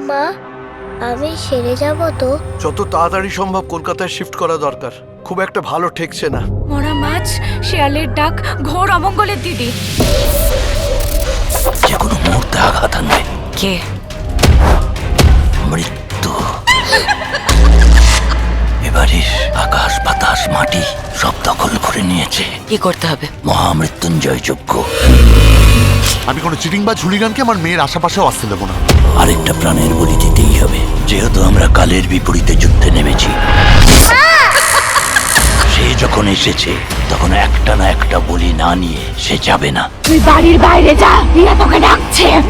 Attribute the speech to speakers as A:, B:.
A: মা আমি সেরে যাব তো?
B: যত তাড়াতাড়ি সম্ভব কলকাতায় শিফট করা দরকার। খুব একটা ভালো ঠেকছে না।
C: মরা মাছ, শেয়ালের ডাক, ঘোর অমঙ্গলের দিদি।
D: যে কোনো মুহূর্তে আঘাত আনবে।
C: কে?
D: মৃত্যু। এবারের আকাশ বাতাস মাটি সব দখল করে নিয়েছে।
C: কি করতে হবে?
D: মহামৃত্যুঞ্জয় যজ্ঞ।
E: আমি কোনো চিটিং বা ঝুলিগানকে আমার মেয়ের আশেপাশেও আসতে দেবো না।
D: আরেকটা প্রাণের বলি দিতেই হবে, যেহেতু আমরা কালের বিপরীতে যুদ্ধে নেমেছি। সে যখন এসেছে তখন একটা না একটা বলি না নিয়ে সে যাবে না।
C: তুই বাড়ির বাইরে যা, রিয়া তোকে ডাকছে।